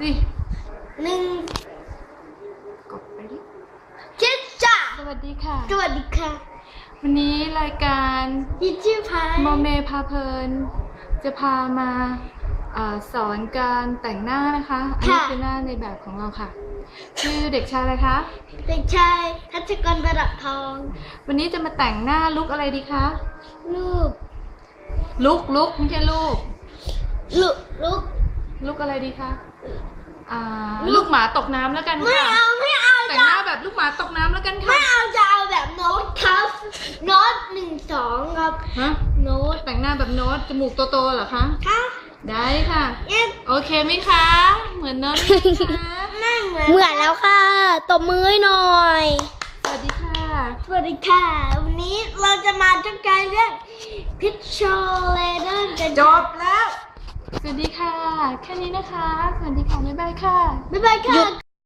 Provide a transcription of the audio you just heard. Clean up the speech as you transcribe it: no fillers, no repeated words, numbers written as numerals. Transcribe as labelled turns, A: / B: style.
A: ดิ
B: หนึ่ง
A: กดไปดิ
B: เจ็ดจ้า
A: สวัสดีค่ะ
B: สวัสดีค่ะ
A: วันนี้รายการ
B: ยินชื่อพาย
A: โมเมพาเพลินจะพามาสอนการแต่งหน้านะคะอันนี้คือหน้าในแบบของเราค่ะชื่อเด็กชายอะไรคะ
B: เด็กชายทัชกรประดับทอง
A: วันนี้จะมาแต่งหน้าลุคอะไรดีคะ
B: ลูก
A: ลุกไม่ใช่ลูก
B: ลูก
A: อะไรดีคะลูกหมาตกน้ำแล้วกันค่ะ
B: ไม่เอา
A: แต่งหน้าแบบลูกหมาตกน้ำแล้วกันค่ะ
B: ไม่เอาจะเอาแบบโน้ตครับโน้ต1 2ครับ
A: ฮะ
B: โน้ต
A: แต่งหน้าแบบโน้ตจมูกโตๆเหรอคะ
B: ค่ะ
A: ได้ค่ะโอเคไหมคะ เหมือนโน้ตไหมคะ
B: ไม่เหมือนแล้วค่ะตบมือให้หน่อย
A: สวัสดีค่ะ
B: สวัสดีค่ะวันนี้เราจะมาทำการเรื่องพิชโชเลเดอร์กัน
A: จบแล้วสวัสดีค่ะแค่นี้นะคะสวัสดีค่ะบ๊ายบายค่ะ
B: บ๊ายบายค่ะ